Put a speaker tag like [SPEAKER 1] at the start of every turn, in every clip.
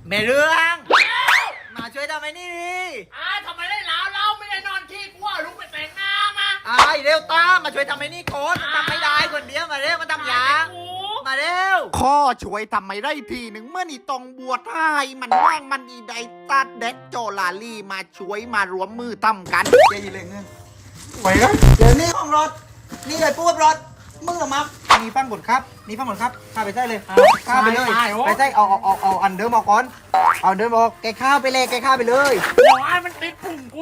[SPEAKER 1] แม่เรื่องมาช่วยทำไอ้นี่ดิ
[SPEAKER 2] ทำไมได้แล้วเราไม่ได้นอนขี้กูว่าลุกไปแต่งหน้ามา
[SPEAKER 1] เร็วตามมาช่วยทำไอ้นี่ก่อนทำไม่ได้คนเดียวมาเร็วมาทำยางมาเร็ว
[SPEAKER 3] ข้อช่วยทำไม่ได้ทีหนึ่งเมื่อนี่ตองบัวท้ายมันว่างมันอีไดตัดเด็กโจลาลี่มาช่วยมารวมมือทำกัน
[SPEAKER 1] เจ๊ยิงเลยเงี้ยไหวกันเดี๋ยวนี้ของรถนี่เลยปุ๊บรถมึงออกมามีฟังบทครับมีฟังบทครับข้าไปใส่เลยข้าไปเลยไปใส่เอาอันเดิมออกก่อนเอาอันเดิมออกแกข้าวไปเลยแกข้าวไปเลย
[SPEAKER 2] เดี๋ยวมันติดปุ่มกู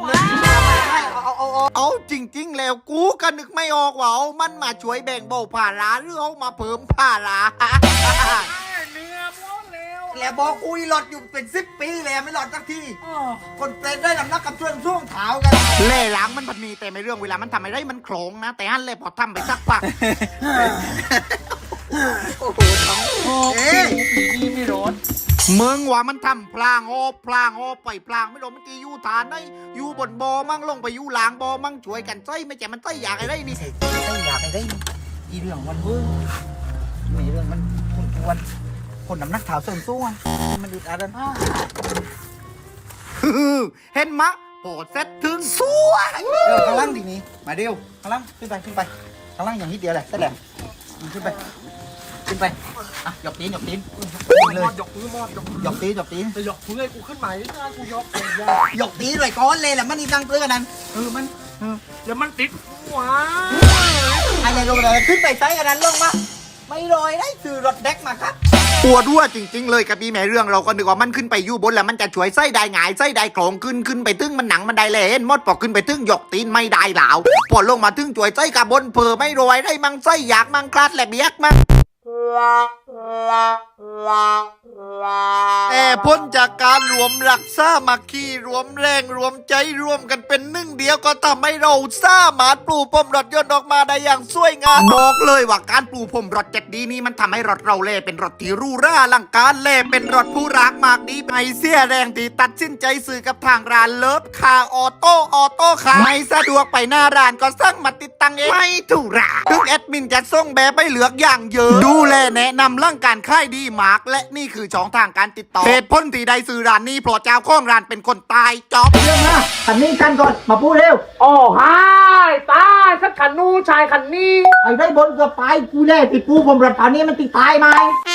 [SPEAKER 3] เอาจริงๆแล้วกูก็นึกไม่ออกว่าเอามันมาช่วยแบ่งเบาภาระหรือเอามาเพิ่มภาระ
[SPEAKER 2] เนื้อม้วนเร็ว
[SPEAKER 1] แล้วบอกอุ้ยหลอดอยู่เป็น10 ปีแล้วไม่หลอดสักทีคนเป็นได้ลำนักกับช่วงเท้ากัน
[SPEAKER 3] เล่หล้างมันพันมีแต่ไม่เรื่องเวลามันทำไม่ได้มันโขลงนะ แต่ฮั่นเล่พอทำไปสักพัก
[SPEAKER 1] โอ้โหท้องเอ๊ะ
[SPEAKER 2] นี่ไม่ร้อน
[SPEAKER 3] มึงว่ามันทำพลางโอพลางโอปล่อยพลางไม่รู้มันจะอยู่ฐานได้อยู่บนบอมั่งลงไปอยู่หลางบอมั่งช่วยกันใส่ไม่ใช่มันใส่อยากอะไรนี่
[SPEAKER 1] ไม่อยากให้ได้อีเรื่องมันเพิ่งมีเรื่องมันควรคนน้ำหนักเท้าเสริมสู้มันอึดอัดกัน
[SPEAKER 3] เห็นมะโปรดเซตถึงสวย
[SPEAKER 1] ข้างล่างดีนี้มาเดียวข้างล่างขึ้นไปข้างล่างอย่างนิดเดียวแหละได้แหละขึ้นไปอ่ะหยอกตีนเลย
[SPEAKER 2] ยกมือมอดยก
[SPEAKER 1] หยอกตีน
[SPEAKER 2] จะยกมือกูขึ้นมาหน้ากูยกเลย
[SPEAKER 1] หยอกตีนเลยก้อนเลยแหละมันนี่ตั้งเพื่อกันนั้น
[SPEAKER 2] มันแล้วมันติดหัว
[SPEAKER 1] อะไรลงเลยขึ้นไปใช้กันนั้นลงมาไม่ลอยได้ซื้อรถเด็กมาครับ
[SPEAKER 3] ปวดรั่วจริงๆเลยกับพี่แม่เรื่องเราก็นึกว่ามันขึ้นไปอยู่บนแล้วมันจะช่วยไส้ได้หงายไส้ได้โครงขึ้นไปตึ้งมันหนังมันได้เลยเห็นมดพอขึ้นไปตึ้งหยกตีนไม่ได้หลาวพอลงมาตึ้งช่วยไส้กับบนเพอไม่รวยได้มั่งไส้อยากมั่งคลาดแหลบเบียกมั่งแต่พ้นจากการรวมรักษามัคคีรวมแรงรวมใจรวมกันเป็นหนึ่งเดียวก็ทำให้เราสามารถปลูกพรมรถยนต์ออกมาได้อย่างสวยงามบอกเลยว่าการปลูกพรมรถเจ็ดดีนี้มันทำให้รถเราเล่เป็นรถที่หรูหราอลังการเล่เป็นรถผู้รักมากดีไม่เสียแรงที่ตัดสินใจซื้อกับทางร้านเลิฟคาออโต้ค่ะไม่สะดวกไปหน้าร้านก็สั่งมาติดตั้งเองไม่ถูกระถึงแอดมินจะส่งแบบไปเหลือกอย่างเยอะดูแลแนะนำเรื่องการค่ายดีมากและนี่คือช่องทางการติดต่อเหตุผลที่ได้ซื้อร้านนี้เพราะเจ้าของร้านเป็นคนตายจ๊อบ
[SPEAKER 1] เรื่องนะขันนี้กันก่อนมาพูดเร็ว
[SPEAKER 2] โอ้ฮายตายสักขันนู้ชายขันนี้
[SPEAKER 1] ไอ้ได้บนเกือบไปกูแน่ติดปูผมรถผ่านนี้มันติดตายไหม